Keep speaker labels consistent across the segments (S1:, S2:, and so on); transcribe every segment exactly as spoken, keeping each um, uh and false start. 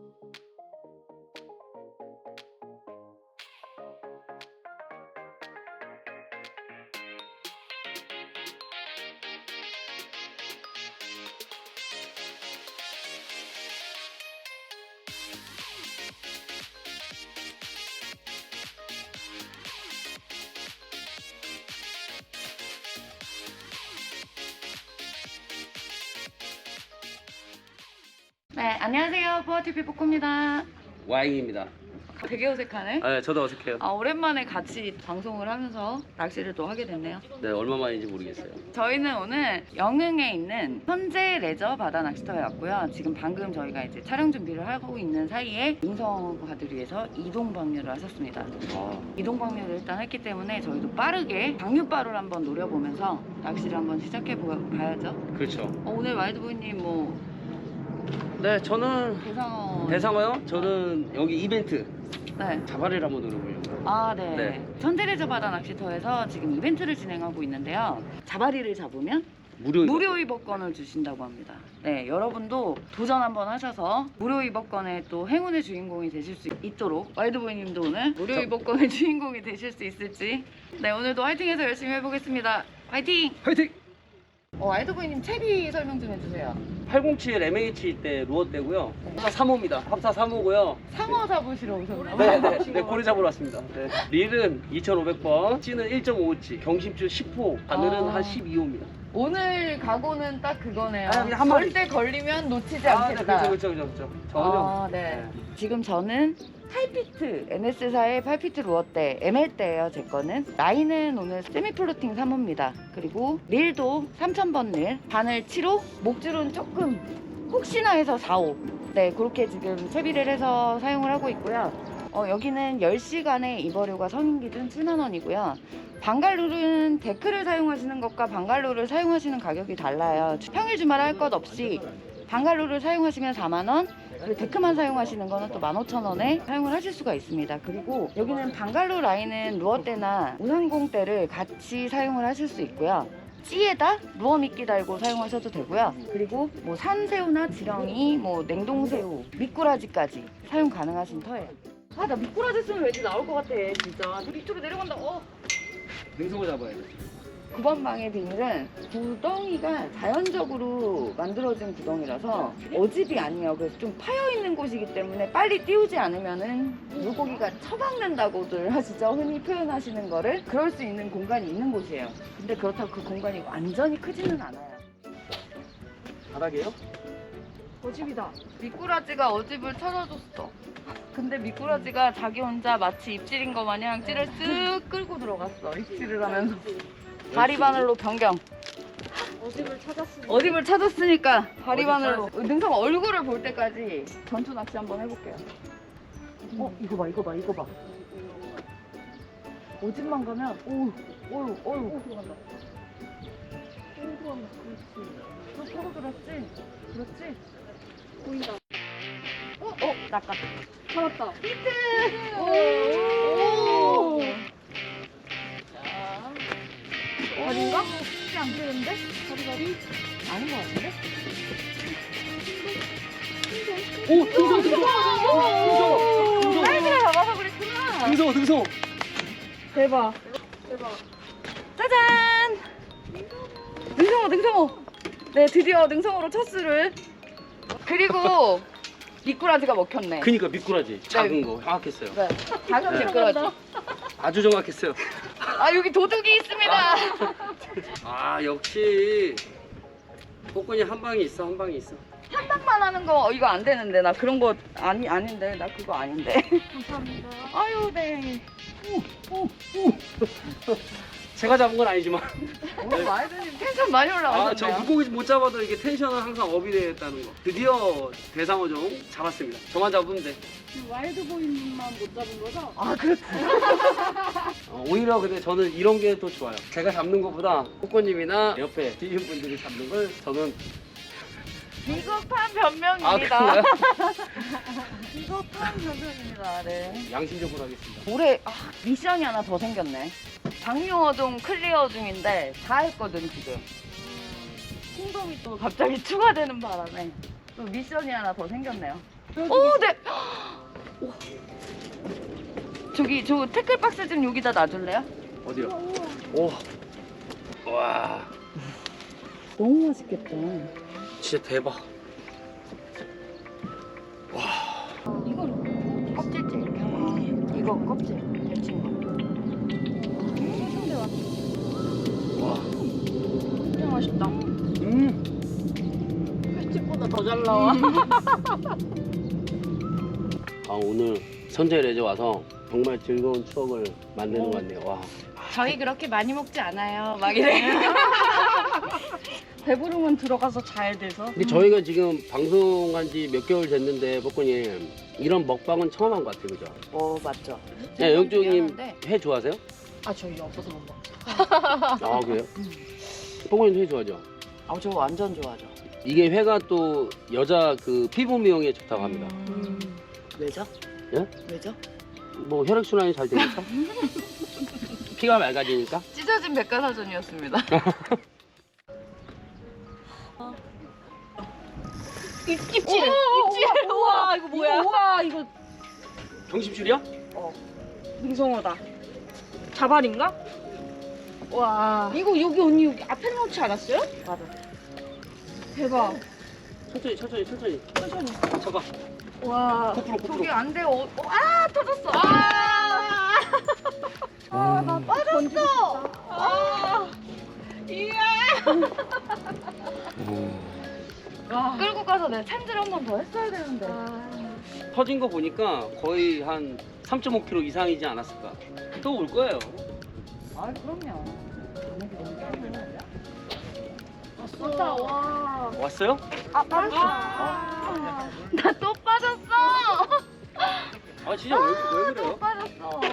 S1: 네, 안녕하세요. 보아티비 뽀꼬입니다.
S2: 와잉입니다.
S1: 되게 어색하네.
S2: 아, 네, 저도 어색해요.
S1: 아, 오랜만에 같이 방송을 하면서 낚시를 또 하게 됐네요.
S2: 네, 얼마 만인지 모르겠어요.
S1: 저희는 오늘 영흥에 있는 현재 레저 바다 낚시터에 왔고요. 지금 방금 저희가 이제 촬영 준비를 하고 있는 사이에 능성어가들 위해서 이동 방류를 하셨습니다.
S2: 아,
S1: 이동 방류를 일단 했기 때문에 저희도 빠르게 방류바를 한번 노려보면서 낚시를 한번 시작해 봐야죠.
S2: 그렇죠.
S1: 어, 오늘 와이드보이님 뭐
S2: 네, 저는
S1: 대상어
S2: 대상어요? 저는 여기 이벤트
S1: 네.
S2: 자바리를 한번 노려보려고요.
S1: 아, 네.
S2: 네.
S1: 현대레저 바다 낚시터에서 지금 이벤트를 진행하고 있는데요. 자바리를 잡으면
S2: 무료
S1: 무료 입업권을 주신다고 합니다. 네, 여러분도 도전 한번 하셔서 무료 입업권의 또 행운의 주인공이 되실 수 있도록 와이드보이님도 오늘 무료
S2: 저-
S1: 입업권의 주인공이 되실 수 있을지 네, 오늘도 화이팅해서 열심히 해보겠습니다. 화이팅!
S2: 화이팅!
S1: 어, 와이드보이님 채비 설명 좀 해주세요.
S2: 팔공칠 엠에이치 때 루어 때고요. 합사 삼 호입니다. 합사 삼 호고요.
S1: 상어 잡으시러 오셨나요?
S2: 네, 네, 네, 고래 잡으러 왔습니다. 네. 릴은 이천오백 번, 찌는 일 점 오 호치, 경심줄 십 호, 바늘은
S1: 아.
S2: 한 십이 호입니다.
S1: 오늘 각오는 딱 그거네요.
S2: 아, 그냥 한 마리.
S1: 절대 걸리면 놓치지
S2: 아, 네,
S1: 않겠다.
S2: 그렇죠, 그렇죠, 그렇죠. 전혀.
S1: 아, 네. 지금 저는 팔 피트, 엔에스사의 팔 피트 루어대, 엠엘대예요, 제 거는. 라인은 오늘 세미플로팅 삼 호입니다. 그리고 릴도 삼천 번 릴, 바늘 칠 호, 목줄은 조금 혹시나 해서 사 호. 네, 그렇게 지금 채비를 해서 사용을 하고 있고요. 어, 여기는 열 시간의 입어료가 성인 기준 칠만 원이고요. 방갈룰은 데크를 사용하시는 것과 방갈룰을 사용하시는 가격이 달라요. 평일 주말 할 것 없이 방갈룰을 사용하시면 사만 원, 그리고 데크만 사용하시는 거는 또 만 오천 원에 사용을 하실 수가 있습니다. 그리고 여기는 방갈루 라인은 루어대나 우산공대를 같이 사용을 하실 수 있고요. 찌에다 루어 미끼 달고 사용하셔도 되고요. 그리고 뭐 산새우나 지렁이, 뭐 냉동새우, 미꾸라지까지 사용 가능하신 터예요. 아, 나 미꾸라지 쓰면 왠지 나올 것 같아, 진짜. 밑으로 내려간다. 어.
S2: 능성어 잡아야 돼.
S1: 구 번 방의 비닐은 구덩이가 자연적으로 만들어진 구덩이라서 어집이 아니에요. 그래서 좀 파여있는 곳이기 때문에 빨리 띄우지 않으면은 물고기가 처박는다고들 하시죠. 흔히 표현하시는 거를. 그럴 수 있는 공간이 있는 곳이에요. 근데 그렇다고 그 공간이 완전히 크지는 않아요.
S2: 바닥이에요?
S1: 어집이다. 미꾸라지가 어집을 찾아줬어. 근데 미꾸라지가 자기 혼자 마치 입질인 것 마냥 찌를 쓱 끌고 들어갔어. 입질을 하면서. 다리 바늘로 변경.
S3: 어집을 찾았으니
S1: 어집을 찾았으니까 다리
S2: 어집
S1: 바늘로. 능성 얼굴을 볼 때까지 전투 낚시 한번 해볼게요. 어, 이거 봐, 이거 봐, 이거 봐. 어집만 가면, 오우, 오우, 오우.
S3: 들어간다. 오, 들어간다. 그렇지.
S1: 너 펴고 들었지? 그렇지?
S3: 보인다.
S1: 어, 어, 낚았다.
S3: 잡았다.
S1: 히트!
S3: 오!
S1: 오!
S3: 다리인가?
S1: 쉽지 안 되는데?
S3: 다리 다리.
S1: 아닌 것 같은데?
S2: 오, 능성어, 능성어! 능성어! 능성어!
S1: 사이즈가 잡아서 그랬구나.
S2: 능성어, 능성어!
S3: 대박. 대박.
S1: 짜잔! 능성어, 능성어! 네, 드디어 능성어로 첫 수를. 그리고 미꾸라지가 먹혔네.
S2: 그니까 미꾸라지 작은 거 정확했어요.
S1: 네, 작은
S2: 네.
S1: 미꾸라지.
S2: 아주 정확했어요.
S1: 아, 여기 도둑이 있습니다.
S2: 아, 역시 복근이 한 방이 있어, 한 방이 있어.
S1: 한 방만 하는 거 이거 안 되는데. 나 그런 거 아니 아닌데. 나 그거 아닌데.
S3: 감사합니다.
S1: 아유, 네.
S2: 제가 잡은 건 아니지만.
S1: 오늘 마이드님 텐션 많이
S2: 아,
S1: 올라가셨네요.
S2: 저 물고기 못 잡아도 이게 텐션은 항상 업이 되었다는 거. 드디어 대상어종 잡았습니다. 저만 잡으면 돼.
S3: 와일드보이님만 못 잡은 거죠?
S1: 아, 그렇지.
S2: 어, 오히려 근데 저는 이런 게 더 좋아요. 제가 잡는 것보다 복권님이나 옆에 뒤에 분들이 잡는 걸 저는.
S1: 비겁한
S2: 아,
S1: 변명입니다.
S2: 그런가요?
S1: 비겁한 변명입니다. 네.
S2: 양심적으로 하겠습니다.
S1: 올해 아, 미션이 하나 더 생겼네. 방류어종 클리어 중인데 다 했거든 지금. 홍동이 또 갑자기 추가되는 바람에 또 미션이 하나 더 생겼네요. 오, 네. 우와. 저기 저 태클 박스 좀 여기다 놔줄래요?
S2: 어디요? 오. 와.
S1: 너무 맛있겠다.
S2: 진짜 대박.
S1: 이건 껍질째 이렇게 하고 이거 껍질 데친 거.
S3: 소신대 왔어.
S2: 와.
S3: 진짜 맛있다.
S2: 음.
S3: 횟집보다 더 잘 나와.
S2: 아, 오늘 선제 레저 와서 정말 즐거운 추억을 만드는 것 같네요. 와.
S1: 저희 그렇게 많이 먹지 않아요. 막 이래.
S3: 배부르면 들어가서 자야 돼서.
S2: 근데 저희가 지금 방송한 지 몇 개월 됐는데 뽀꾸님 이런 먹방은 처음 한 것 같아요, 그죠?
S1: 어 맞죠.
S2: 네, 영종님
S1: 미안한데.
S2: 회 좋아하세요?
S3: 아 저희 없어서 못 먹죠.
S2: 아, 그래요? 뽀꾸님도 회 좋아하죠?
S1: 아저 완전 좋아하죠.
S2: 이게 회가 또 여자 그 피부 미용에 좋다고 합니다.
S1: 음. 왜죠?
S2: 예?
S1: 왜죠?
S2: 뭐 혈액순환이 잘 되니까? 피가 맑아지니까?
S1: 찢어진 백과사전이었습니다.
S3: 입, 입질! 입질! 우와 이거 뭐야? 우와 이거
S2: 경심줄이야?
S3: 능성어다. 자발인가? 와 이거 여기 언니 여기 앞에 놓지 않았어요?
S1: 맞아.
S3: 대박.
S2: 천천히 천천히 천천히
S3: 천천히.
S2: 잡아.
S3: 와.
S2: 코프로 코프로.
S1: 저기 안 돼. 어, 어, 아 터졌어. 아,
S3: 아, 나 빠졌어. 아, 이야. 와.
S1: 끌고 가서 내 챔질 한 번 더 했어야 되는데.
S2: 터진 거 보니까 거의 한 삼 점 오 킬로그램 이상이지 않았을까? 또 올 거예요.
S1: 아 그럼요.
S3: 왔다. 와.
S2: 왔어요?
S1: 아 빠졌어.
S3: 아.
S1: 나 또 빠졌어.
S2: 아 진짜 왜, 왜 그래요?
S1: 또 빠졌어.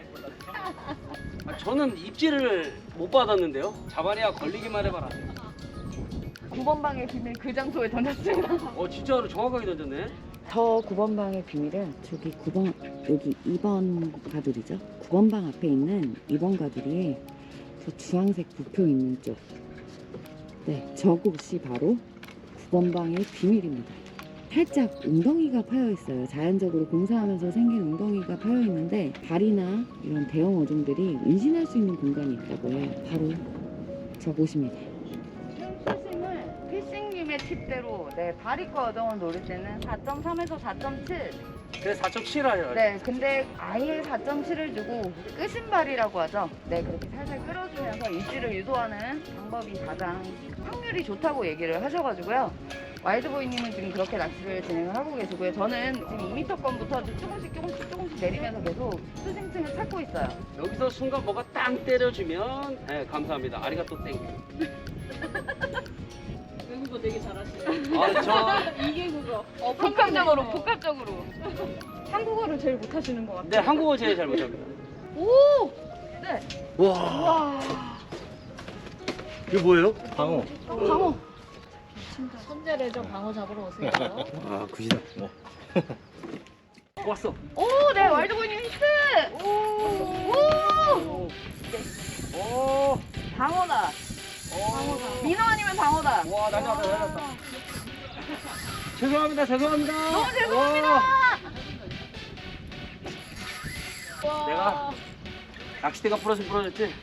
S2: 아, 저는 입질을 못 받았는데요. 자발이야 걸리기만 해봐라.
S1: 구 번 방의 비밀 그 장소에 던졌습니다.
S2: 어 진짜로 정확하게 던졌네.
S1: 저 구 번 방의 비밀은 저기 구 번 여기 이 번 가두리죠. 구 번 방 앞에 있는 이 번 가두리에 저 주황색 부표 있는 쪽. 네, 저곳이 바로 구 번 방의 비밀입니다. 살짝 웅덩이가 파여 있어요. 자연적으로 공사하면서 생긴 웅덩이가 파여 있는데 발이나 이런 대형 어종들이 은신할 수 있는 공간이 있다고 해요. 바로 저곳입니다. 피싱을 피싱님의 팁대로 네, 바리과 어종을 노릴 때는 사 점 삼에서 사 점 칠.
S2: 그래서 사 점 칠 하죠.
S1: 네, 근데 아예 사 점 칠을 주고 끄신발이라고 하죠. 네, 그렇게 살살 끌어주면서 입질을 유도하는 방법이 가장 확률이 좋다고 얘기를 하셔가지고요. 와일드보이님은 지금 그렇게 낚시를 진행을 하고 계시고요. 저는 지금 이 미터 건부터 조금씩 조금씩 조금씩 내리면서 계속 수심층을 찾고 있어요.
S2: 여기서 순간 뭐가 땅 때려주면 네 감사합니다. 아리가또 땡.
S3: 외국어 되게 잘하시네.
S2: 아저
S3: 이게 그거. 어,
S1: 복합적으로,
S3: 한국어.
S1: 복합적으로.
S3: 한국어를 제일 못하시는 것 같아요.
S2: 네 한국어 제일 잘 못합니다.
S1: 오! 네.
S2: 와
S3: 와.
S2: 이거 뭐예요?
S4: 방어.
S1: 방어.
S3: 선제 레저 방어 잡으러 오세요.
S4: 아, 굿이다. 뭐.
S2: 왔어.
S1: 오, 네, 와일드보이님 히트! 오! 오!
S2: 오.
S1: 방어다.
S2: 방어다.
S1: 민어 아니면 방어다.
S2: 와 날렸다 날렸다. 죄송합니다 죄송합니다.
S1: 너무 죄송합니다.
S2: 와. 내가 낚싯대가 부러진 부러졌지.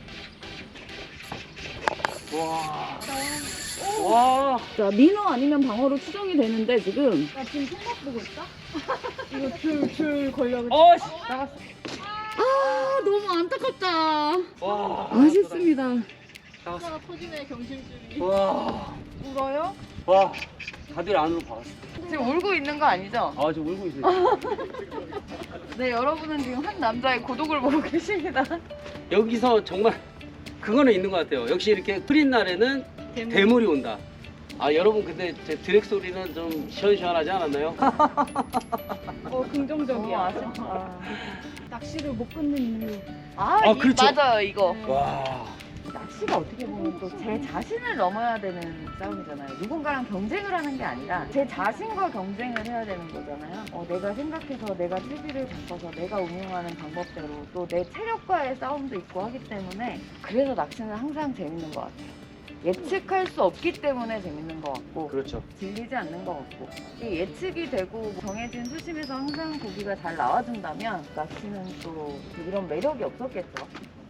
S2: 와. 와.
S1: 자, 민어 아니면 방어로 추정이 되는데 지금
S3: 나 지금 손목 보고 있다? 이거 줄, 줄 걸려가지고.
S2: 어. 씨.
S3: 나갔어.
S1: 아, 너무 안타깝다.
S2: 와.
S1: 아쉽습니다.
S2: 나갔어.
S3: 하나가 터지네, 경심줄이.
S2: 와.
S3: 울어요?
S2: 와. 다들 안으로 박았어.
S1: 지금 울고 있는 거 아니죠?
S2: 아 지금 울고 있어요.
S1: 네, 여러분은 지금 한 남자의 고독을 보고 계십니다.
S2: 여기서 정말 그거는 있는 것 같아요. 역시 이렇게 흐린 날에는
S3: 대물.
S2: 대물이 온다. 아 여러분 근데 제 드랙 소리는 좀 시원시원하지 않았나요?
S3: 어, 긍정적이야.
S1: 어, 아쉽다.
S3: 아. 낚시를 못 끊는 이유.
S1: 아,
S2: 아,
S1: 이-
S2: 그렇죠.
S1: 맞아요, 이거.
S2: 와.
S1: 낚시가 어떻게 보면 또 제 자신을 넘어야 되는 싸움이잖아요. 누군가랑 경쟁을 하는 게 아니라 제 자신과 경쟁을 해야 되는 거잖아요. 어, 내가 생각해서 내가 채비를 잡아서 내가 운용하는 방법대로 또 내 체력과의 싸움도 있고 하기 때문에 그래서 낚시는 항상 재밌는 것 같아요. 예측할 수 없기 때문에 재밌는 것 같고
S2: 그렇죠.
S1: 질리지 않는 것 같고 이 예측이 되고 정해진 수심에서 항상 고기가 잘 나와준다면 낚시는 또 이런 매력이 없었겠죠.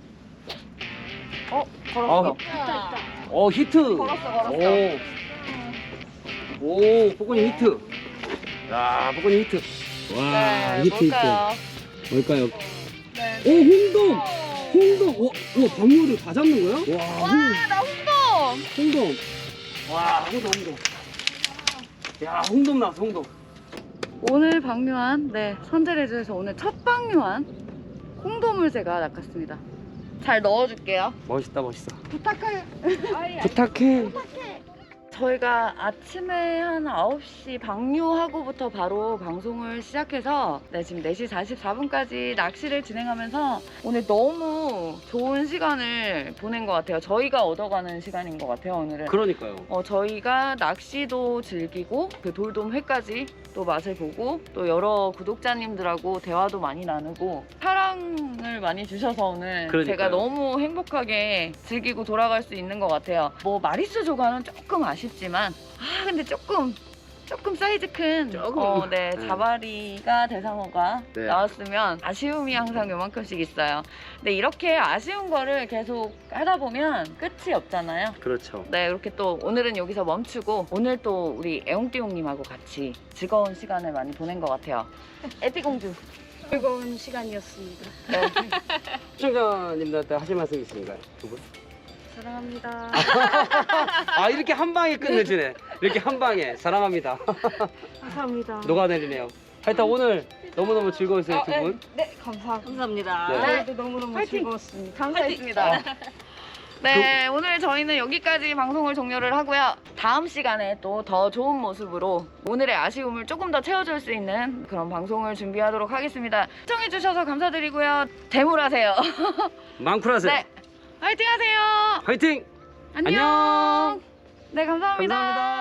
S1: 어? 걸었어.
S2: 아, 어 히트.
S1: 걸었어 걸었어.
S2: 오, 오, 복권이 히트. 야, 복권이 히트. 와,
S1: 네,
S2: 히트
S1: 뭘까요?
S2: 히트. 뭘까요?
S1: 네.
S2: 오, 홍돔. 홍돔. 와, 와, 방어를 다 잡는 거야? 와, 홍,
S1: 와, 나 홍돔!
S2: 홍돔. 와, 홍돔, 홍돔. 야, 홍돔 나왔어, 홍돔.
S1: 오늘 방류한, 네, 선제레즈에서 오늘 첫 방류한 홍돔을 제가 낚았습니다. 잘 넣어줄게요.
S2: 멋있다, 멋있어.
S1: 부탁해요.
S2: 부탁해.
S1: 저희가 아침에 한 아홉 시 방류하고부터 바로 방송을 시작해서 네, 지금 네 시 사십사 분까지 낚시를 진행하면서 오늘 너무 좋은 시간을 보낸 것 같아요. 저희가 얻어가는 시간인 것 같아요, 오늘은.
S2: 그러니까요.
S1: 어, 저희가 낚시도 즐기고 그 돌돔 회까지 또 맛을 보고 또 여러 구독자님들하고 대화도 많이 나누고 사랑을 많이 주셔서 오늘
S2: 그러니까요.
S1: 제가 너무 행복하게 즐기고 돌아갈 수 있는 것 같아요. 뭐 마리수 조과는 조금 아쉽지만 아 근데 조금 조금 사이즈 큰
S2: 조금.
S1: 어, 네,
S2: 네.
S1: 자바리가 대상어가
S2: 네.
S1: 나왔으면 아쉬움이 항상 요만큼씩 있어요. 근데 이렇게 아쉬운 거를 계속 하다 보면 끝이 없잖아요.
S2: 그렇죠.
S1: 네, 이렇게 또 오늘은 여기서 멈추고 오늘 또 우리 애용띠용님하고 같이 즐거운 시간을 많이 보낸 것 같아요. 에피공주.
S3: 즐거운 시간이었습니다.
S1: 네.
S2: 시청자님들한테 하실 말씀 있으신가요? 두 분?
S3: 사랑합니다.
S2: 아, 이렇게 한 방에 끝내주네. 이렇게 한 방에. 사랑합니다.
S3: 감사합니다.
S2: 녹아내리네요. 하여튼 오늘 너무너무 즐거웠어요, 두 분.
S3: 네, 감사, 감사합니다.
S2: 네.
S3: 저희도 너무너무
S1: 파이팅!
S3: 즐거웠습니다.
S1: 감사했습니다. 네, 오늘 저희는 여기까지 방송을 종료를 하고요. 다음 시간에 또 더 좋은 모습으로 오늘의 아쉬움을 조금 더 채워줄 수 있는 그런 방송을 준비하도록 하겠습니다. 시청해주셔서 감사드리고요. 대물하세요.
S2: 망쿨하세요.
S1: 네, 화이팅 하세요.
S2: 화이팅!
S1: 안녕.
S2: 안녕.
S1: 네, 감사합니다.
S2: 감사합니다.